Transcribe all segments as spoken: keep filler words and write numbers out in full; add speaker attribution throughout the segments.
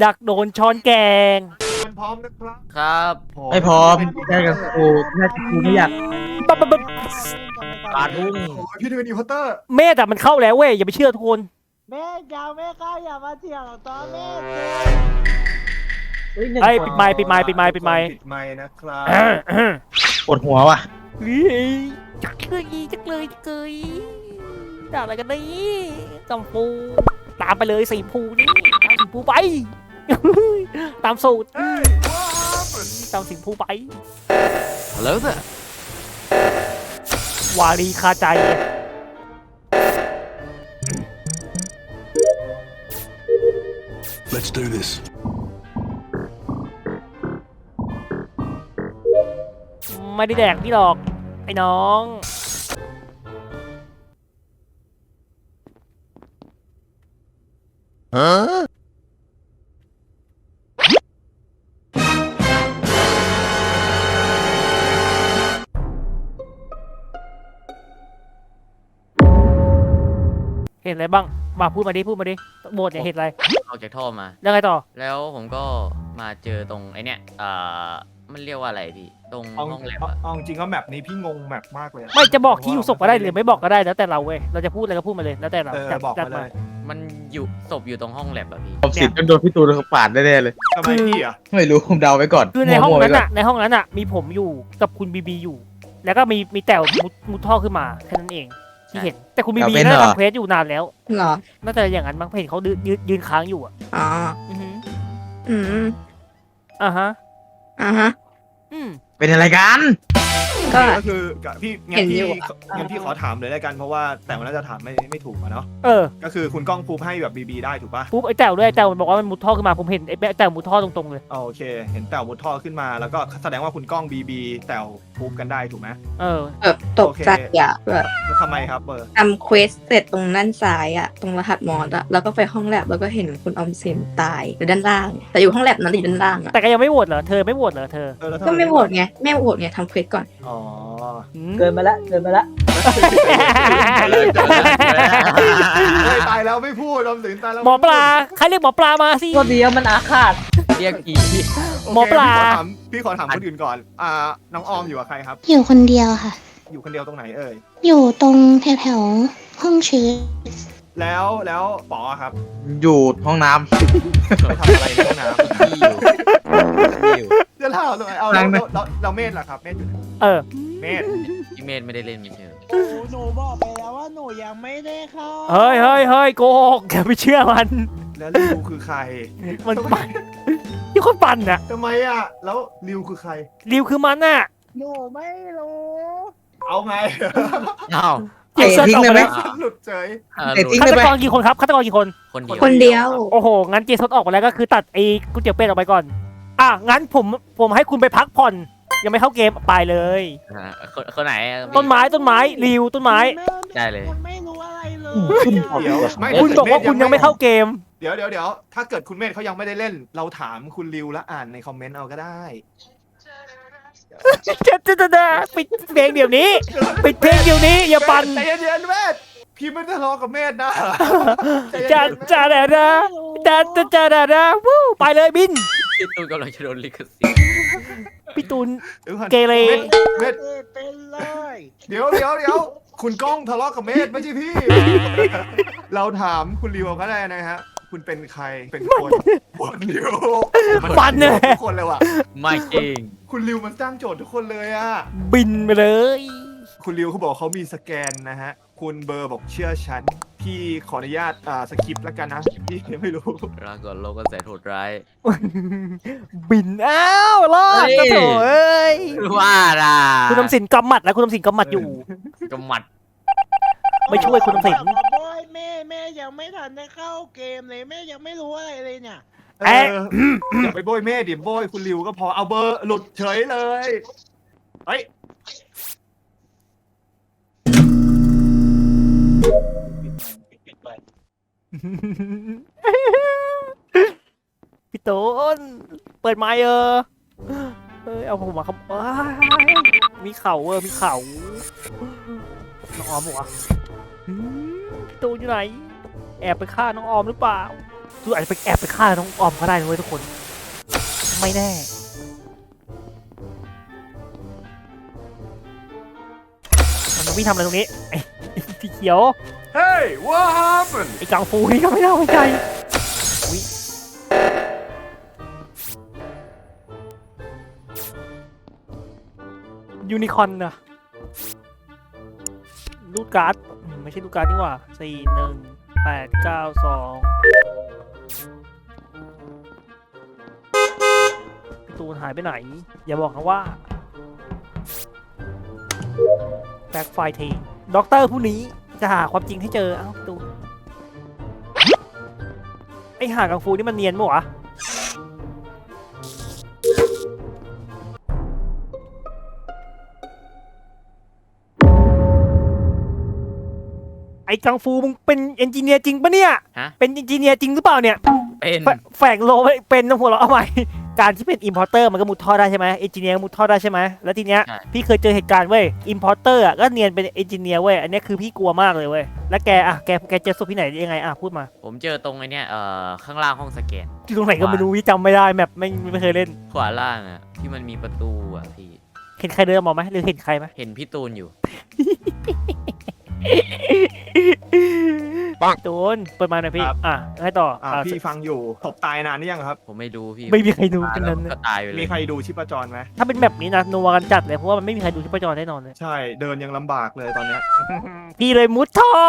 Speaker 1: ดักโดนช้อนแกง
Speaker 2: มันพร้อมนะครับ
Speaker 3: ครับ
Speaker 4: ไม่พร้อมแค่กับกูแค่กูไม่อยาก
Speaker 1: ปั๊บปั๊บปั๊บ
Speaker 3: ปาทุ่ง
Speaker 2: พี่ดูเป็นอีพอตเตอร์
Speaker 1: เมธแต่มันเข้าแล้วเว้ยอย่าไปเชื่อทุกคน
Speaker 5: แม่ยาวแม่ข้าอย่ามาเถียงตอนแม่
Speaker 1: ไอ้ปิดไม้ปิดไม้ปิดไม้ปิดไม้
Speaker 2: ปิดไม้นะครับ
Speaker 4: ปวดหัวว่ะ
Speaker 1: เฮ้ยจักเลยจักเลยจักเลยด่าอะไรกันนี่จำปูตามไปเลยสีภูนี่ตามสีภูไปตามสูตรตามสีภูไป
Speaker 3: แล้วเถอะ
Speaker 1: วารีคาใจ
Speaker 6: Let's do this.
Speaker 1: ไม่ได้แดกพี่หรอกไอ้น้องฮะเห็นอะไรบ้างมาพูดมาดิพูดมาดิโบสเนี่ยเห็นอะไร
Speaker 3: ออกจากท่อมา
Speaker 1: แล้วไงต่อ
Speaker 3: แล้วผมก็มาเจอตรงไอเนี้ยเอ่อมันเรียกว่าอะไรพี่ตรงห้องแลบอะ
Speaker 2: เอาจริงก็แมปนี้พี่งงแมปมากเลย
Speaker 1: ไม่จะบอกที่อยู่ศพก็ได้หรือไม่บอกก็ได้แล้วแต่เราเว้ยเราจะพูดอะไรก็พูดมาเลยแล้วแต่เรา
Speaker 2: จับบอกมาเลย
Speaker 3: มันอยู่ศพอยู่ตรงห้องแลบอะพี่
Speaker 4: ผมสิทธิ์ก็โดนพี่ตูนเขาปาดแน่ๆเลย
Speaker 2: ทำไมพี่อ่ะ
Speaker 4: ไม่รู้ผมเดาไว้ก่อน
Speaker 1: คือในห้องนั้นอะในห้องนั้นอะมีผมอยู่กับคุณบีบีอยู่แล้วก็มีมีแต๋วมุดมุดท่อขึ้นมาแค่นั้นเองที่เห็นแต่คุณบีบีน่าจะทำเควสอยู่นานแล้ว
Speaker 7: เหรอ
Speaker 1: น่าจะอย่างนั้นบางเพจเขายืนยืนค้างอยู่อ่ะ
Speaker 7: อ๋อ
Speaker 1: อือ
Speaker 7: อืม
Speaker 1: อ่าฮะ
Speaker 7: อ่าฮะ
Speaker 1: อืม
Speaker 4: เป็นอะไรกัน
Speaker 7: ก็
Speaker 2: คือพี่งั้นพี่งั้นพี่ขอถามเลยแล้วกันเพราะว่าแต่มันน่าจะถามไม่ไม่ถูกอะเนาะ
Speaker 1: เออ
Speaker 2: ก็คือคุณก้องพูดให้แบบบีบีได้ถูกป่ะ
Speaker 1: ปุ๊บไอ้แต๋วด้วยไอ้แต๋วมันบอกว่ามันมุดท่อขึ้นมาผมเห็นไอ้แต๋วมุดท่อตรงๆเลย
Speaker 2: โอเคเห็นแต๋วมุดท่อขึ้นมาแล้วก็แสดงว่าคุณก้องบีบีแต๋วพูดกันได้ถูกไหม
Speaker 1: เออ
Speaker 7: แบบตกใจอ่ะแบบ
Speaker 2: ทำไมครับเบอร์
Speaker 7: ทำเควสเสร็จตรงด้านซ้ายอ่ะตรงรหัสมอสอ่ะแล้วก็ไปห้องแลบแล้วก็เห็นคุณออมสินตายอยู่ด้านล่างแต่อยู่ห้องแลบนั้นอยู่ด้านล่างอ่ะ
Speaker 1: แต่ก็ยังไม่โหวตเหรอเธอไม่โหวตเหรอเธอ
Speaker 7: ก็ไม่โหวตไงแม่โหวตไงทำเควสก่อน
Speaker 2: อ๋อ
Speaker 5: เกินมาละเกินมาละ
Speaker 2: ตายแล้วไม่พูดออมสินตายแล้ว
Speaker 1: หมอปลาใครเรียกหมอปลามาสิ
Speaker 5: ตัวเดียวมันอาฆาต
Speaker 3: เรียกผี
Speaker 1: หมอปลา
Speaker 2: พี่ขอถามคนอื่นก่อนอ่าน้องออมอยู่กับใครครับ
Speaker 8: อยู่คนเดียวค่ะ
Speaker 2: อยู่คนเดียวตรงไหนเอ่ย
Speaker 8: อยู่ตรงแถวๆห้องชื้อ
Speaker 2: แล้วแล้วป๋อครับ
Speaker 4: อยู่ห้องน้ำ
Speaker 2: ไปทำอะไรในห้องน้ำ
Speaker 3: ที่อยู่ที่อยู่
Speaker 2: จะเล่าทำไมเอาเราเราเราเมธล่ะครับเมธอยู่ไหน
Speaker 1: เออ
Speaker 2: เมธ
Speaker 3: พี่เมธไม่ได้เล่นไม่ใช่
Speaker 5: หนูบอกไปแล้วว่าหนูยังไม่ได้เข้า
Speaker 1: เฮ้ยเฮ้ยเฮ้ยโกหกอย่าไปเชื่อมัน
Speaker 2: แล้วริวคือใคร
Speaker 1: มันปั่นที่คนปั่นน่ะ
Speaker 2: ทำไมอ่ะแล้วริวคือใคร
Speaker 1: ริวคือมันน่ะ
Speaker 5: หนูไม่รู้
Speaker 2: เอาไง
Speaker 3: อ้าว
Speaker 1: เจ็บทิ้งเลยไหม
Speaker 2: หลุดเฉย
Speaker 1: ฆาตกรกี่คนครับฆาตกรกี่คน
Speaker 3: คนเดียว
Speaker 7: คนเดียว
Speaker 1: โอ้โหงั้นเจสดออกไปแล้วก็คือตัดไอ้ก๋วยเตี๋ยวเป็ดออกไปก่อนอ่ะงั้นผมผมให้คุณไปพักผ่อนยังไม่เข้าเกมไปเลย
Speaker 3: คนคนไหน
Speaker 1: ต้นไม้ต้นไม้ริวต้นไม้
Speaker 3: ได้เลย
Speaker 5: คุณไม่รู้อะไรเลย
Speaker 2: เดี๋ยว
Speaker 1: คุณบอกว่าคุณยังไม่เข้าเกม
Speaker 2: เดี๋ยวเดี๋ยวเดี๋ยวถ้าเกิดคุณเมธเขายังไม่ได้เล่นเราถามคุณริวแล้วอ่านในคอมเมนต์เอาก็ได้
Speaker 1: จะจะจะปิดเพลงเดี๋ยวนี้ปิดเพลงเดี๋ยวนี้อย่าปั่น
Speaker 2: ใจเย็นๆเมธพี่ไม่ทะเลาะกับเมธนะ
Speaker 1: จะจะเดี๋ยวนะจะจะจะเดี๋ยวนะวู้ไปเลยบิน
Speaker 3: พี่ตูนกำลังจะโดนลิขสิทธิ์
Speaker 1: พี่ตูนเกเร
Speaker 2: เมธ
Speaker 5: เป็นเลย
Speaker 2: เดี๋ยวเดี๋ยวเดี๋ยวคุณก้องทะเลาะกับเมธไม่ใช่พี่เราถามคุณริวก็ได้นะฮะคุณเป็นใครเป็นคนคนริว
Speaker 1: ปั่นเนี่ย
Speaker 2: ทุกคนเลยว่ะ
Speaker 3: ไม่จริง
Speaker 2: คุณริวมันสร้างโจทย์ทุกคนเลยอ่ะ
Speaker 1: บินไปเลย
Speaker 2: คุณริวเขาบอกเขามีสแกนนะฮะคุณเบอร์บอกเชื่อฉันพี่ขออนุญาตอ่าสคริปต์แล้วกันนะพี่ไม่รู้
Speaker 3: ลาก่อนโลกก็แสนโหดร้าย
Speaker 1: บินอ้าวรอดก็โถเอ้ย
Speaker 3: ว่าล่ะ
Speaker 1: คุณทำสินกำหมัดแล้วคุณทำสินกำหมัดอยู่
Speaker 3: กำหมัด
Speaker 1: ไม่ช่วยคุณทำสิน
Speaker 5: บอยแม่แม่ยังไม่ทันได้เข้าเกมเลยแม่ยังไม่รู้อะไรเลยเนี่ย
Speaker 2: เอออย่าไปโบยแม่ดิโบยคุณริวก็พอเอาเบอร์หลุดเฉยเลยเฮ้ย
Speaker 1: พี่ตูนเปิดไมค์เออเอ้ยเอาผมมาครับมีเข่าเออมีเข่าน้องออมบอกว่าพี่ตูนอยู่ไหนแอบไปฆ่าน้องออมหรือเปล่าตูอาจจะไปแอบไปฆ่าน้องออมก็ได้นะเว้ยทุกคนไม่แน่มันวิ่งทำอะไรตรงนี้ไอ้สีเขียว
Speaker 2: Hey what happened
Speaker 1: ไอ้กังฟูนี่ก็ไม่น่าไว้ใจอุ๊ยยูนิคอร์นนะรูดการ์ดอืมไม่ใช่รูดการ์ดนี่หว่าสี่หนึ่งแปดเก้าสองพี่ตูนหายไปไหน อย่าบอกนะว่าแบ็คไฟทีด็อกเตอร์ผู้นี้จะหาความจริงให้เจอ เอ้าพี่ตูนไอหากังฟูนี่มันเนียนมั้วะไอ้กังฟูมึงเป็นเอนจิเนียร์จริงปะเนี่ย
Speaker 3: ฮะ
Speaker 1: เป็นเอนจิเนียร์จริงหรือเปล่าเนี่ย
Speaker 3: เป็น
Speaker 1: แฝแฝงโลไว้เป็นนะหัวเราะเอาใหม่ การที่เป็นอิมพอร์เตอร์มันก็มุดท่อได้ใช่ไหมเอนจิเนียร์มุดท่อได้ใช่ไหมแล้วทีเนี้ยพี่เคยเจอเหตุการณ์เว้ยอิมพอร์เตอร์อ่ะก็เนียนเป็นเอนจิเนียร์เว้ยอันเนี้ยคือพี่กลัวมากเลยเว้ยแล้วแกอ่ะแกแกเจอศพที่ไหนยังไงอ่ะพูดมา
Speaker 3: ผมเจอตรงไอ้เนี่ยเอ่อข้างล่างห้องสแกน
Speaker 1: ที่ตรงไหนก็ไม่รู้พี่จำไม่ได้แมปไม่ไม่เคยเล่น
Speaker 3: ขวาล่างอะที่มันมีประตูอะพี่
Speaker 1: เห็นใครเดินมาไหมหรือเห็นใครไหม
Speaker 3: เห็นพี่ตูนอยู่
Speaker 1: โดนเปิดมาหน่อยพี่
Speaker 2: ครับ
Speaker 1: อ่ะให้ต่อ
Speaker 2: อ่า
Speaker 1: อ่ะ
Speaker 2: พี่ฟังอยู่ศพตายนานหรือยังครับ
Speaker 3: ผมไม่ดูพี่
Speaker 1: ไม่มีใครดู
Speaker 3: ตาย
Speaker 1: กัน
Speaker 3: แล้ว
Speaker 1: นั้น
Speaker 3: ก็ตายไปเลย
Speaker 2: มีใครดูชีพจรไหม
Speaker 1: ถ้าเป็นแบบนี้นะนัวกันจัดเลยเพราะว่ามันไม่มีใครดูที่ประจรแน่นอนเลย
Speaker 2: ใช่เดินยังลำบากเลยตอนเนี้ย
Speaker 1: พี่เลยมุดท่อ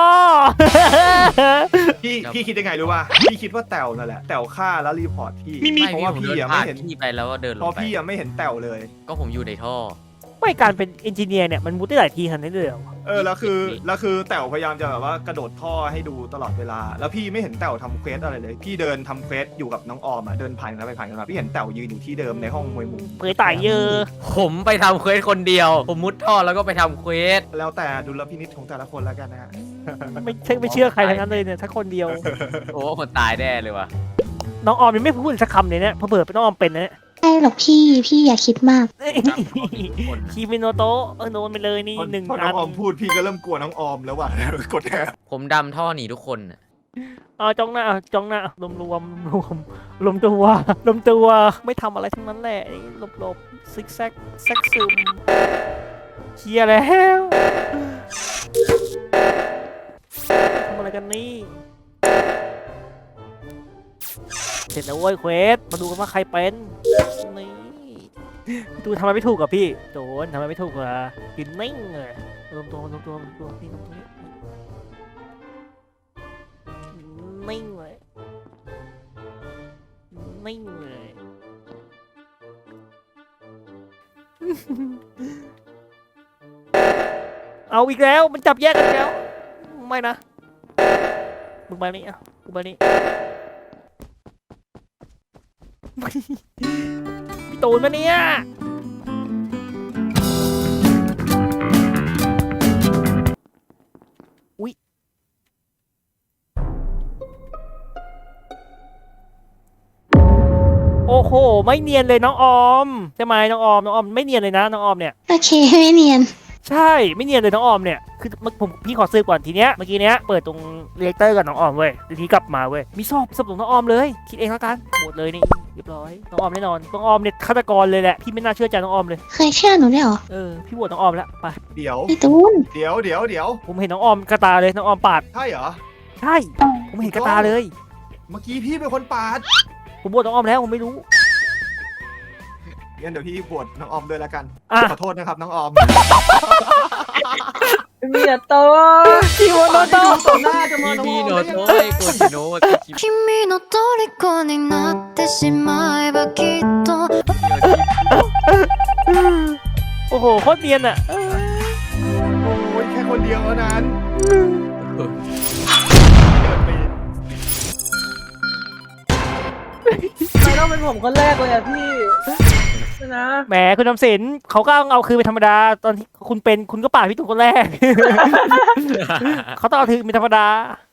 Speaker 2: พี่พี่คิดยังไงรู้ป่ะพี่คิดว่าแต๋วนั่นแหละแต๋วฆ่าแล้วรีพอร์ตพี่
Speaker 3: ไม่
Speaker 2: เพราะว่า
Speaker 3: ผม
Speaker 2: พี่
Speaker 3: เดิน
Speaker 2: ยัง
Speaker 3: ผ่า
Speaker 2: ไม่
Speaker 3: น
Speaker 2: เห็น
Speaker 3: พี่ไปแล้วก็เดินล
Speaker 2: เพ
Speaker 3: ง
Speaker 2: ราะ
Speaker 3: ไป
Speaker 2: พี่ยังไม่เห็นแต๋วเลย
Speaker 3: ก็ผมอยู่ในท่อ
Speaker 1: ไม่การเป็นเอนจิเนียร์เนี่ยมันมุดได้หลายทีขนาดนี้เลยเหรอ
Speaker 2: เออแล้วคือแล้วคือแต๋วพยายามจะแบบว่ากระโดดท่อให้ดูตลอดเวลา แล้วพี่ไม่เห็นแต๋วทำเควสอะไรเลย พี่เดินทำเควสอยู่กับน้องออมอ่ะเดินผ่านกันไปผ่านกันมาพี่เห็นแต๋วยืนอยู่ที่เดิมในห้องมวยมุม
Speaker 1: เผยตายเยอะ
Speaker 3: ผมไปทำเควสคนเดียว ผมมุดท่อแล้วก็ไปทำเควส
Speaker 2: แล้วแต่ดุลพินิจของแต่ละคนแล้วกันนะฮะ
Speaker 1: ไม่ใช่ไม่เชื่อใครทั้งนั้นเลยเนี่ยถ้าคนเดียว
Speaker 3: โอ้คนตายแน่เลยว่ะ
Speaker 1: น้องออมยังไม่พูดสักคำเลยเนี่ยเพอเบิดเป็นน้องออมเป็นนะเนี่ย
Speaker 8: ใช่หรอกพี่ พี่อย่าคิดมาก
Speaker 1: คีมิโนโตะเออโดนไปเลยนี่
Speaker 2: พอ
Speaker 1: หนึ่ง
Speaker 2: พอน้
Speaker 1: อั
Speaker 2: อน งออมพูดพี่ก็เริ่มกลัวน้องออมแล้วว่ะ กดแทน
Speaker 3: ผมดำท่อหนีทุกคนน่ะ
Speaker 1: อ๋อจ้องหน้าจ้องหน้ารวมรวมรวมรวมตัวรวมตัวไม่ทำอะไรทั้งนั้นแหละหลบหลบซิกแซกแซกซึมเคลียร์แล้วทำอะไรกันนี่เสร็จแล้วเว้ยเควสมาดูกันว่าใครเป็นนี่พี่ตูนทำไมไม่ถูกกับพี่โดนทำไมไม่ถูกอ่ะยืนนิ่งเลยรวมตัวรวมตัวรวมตัวนี่รวมตัวนี้นิ่งเลยนิ่งเลยเอาอีกแล้วมันจับแยกกันอีกแล้วไม่นะมึงมานี่อ่ะกูมานี่ พี่ตูนมาเนี่ยอุ๊ยโอ้โหไม่เนียนเลยน้องออมใช่ไหมน้องออมน้องออมไม่เนียนเลยนะน้องออมเนี่ย
Speaker 8: โอเคไม่เนียน
Speaker 1: ใช่ไม่เนียนเลยน้องออมเนี่ยคือผมพี่ขอซื้อก่อนทีเนี้ยเมื่อกี้เนี้ยเปิดตรงเรียกเตอร์กับน้องออมเว้ยทีนี้กลับมาเว้ยมีศพศพของน้องออมเลยคิดเองแล้วกันหมดเลยนี่เรียบร้อยน้องออมแน่นอนน้องออมเนี่ยฆาตกรเลยแหละพี่ไม่น่าเชื่อใจน้องออมเลย
Speaker 8: เคยเชื่อหนูได้วยเหรอ
Speaker 1: เออพี่โหวตน้องออมแล้วไป
Speaker 2: เดี๋ยว
Speaker 8: พี่ตูน
Speaker 2: เดี๋ยวเดี๋ยวเดี๋ยว
Speaker 1: ผมเห็นน้องออมกระตาเลยน้องออมปาด
Speaker 2: ใช่เหรอ
Speaker 1: ใช่ผมเห็นกระตาเลย
Speaker 2: เมื่อกี้พี่เป็นคนปาด
Speaker 1: ผมโหวตน้องออมแล้วผมไม่รู้
Speaker 2: งั้นเดี๋ยวพี่บวชน้องออมด้วยละกัน
Speaker 1: อ่ะ
Speaker 2: ขอโทษนะครับน้องออม
Speaker 5: มีแต่โต
Speaker 1: พี่โหวตน้องออม
Speaker 2: ต่อหน้าจะมา
Speaker 3: พี่
Speaker 2: น้อง
Speaker 3: พี่
Speaker 2: ออม
Speaker 3: โน
Speaker 2: ได้
Speaker 3: โต
Speaker 2: ยังไง
Speaker 3: ไอ้โกจิโนะที่คิด
Speaker 6: 君の虜になってしまえばきっと
Speaker 1: โอ้โหโคตรเนียนอ่ะ
Speaker 2: โอ้ยแค่คนเดียวเท่านั้นเดินไป
Speaker 5: ทำไมต้องเป็นผมคนแรกเลยอะพี่นะ
Speaker 1: แหมคุณนำสินเขาก็เอาคืนเป็นธรรมดาตอนที่คุณเป็นคุณก็ปาดพี่ตุ้มคนแรก เขาต้องเอาคืนเป็นธรรมดา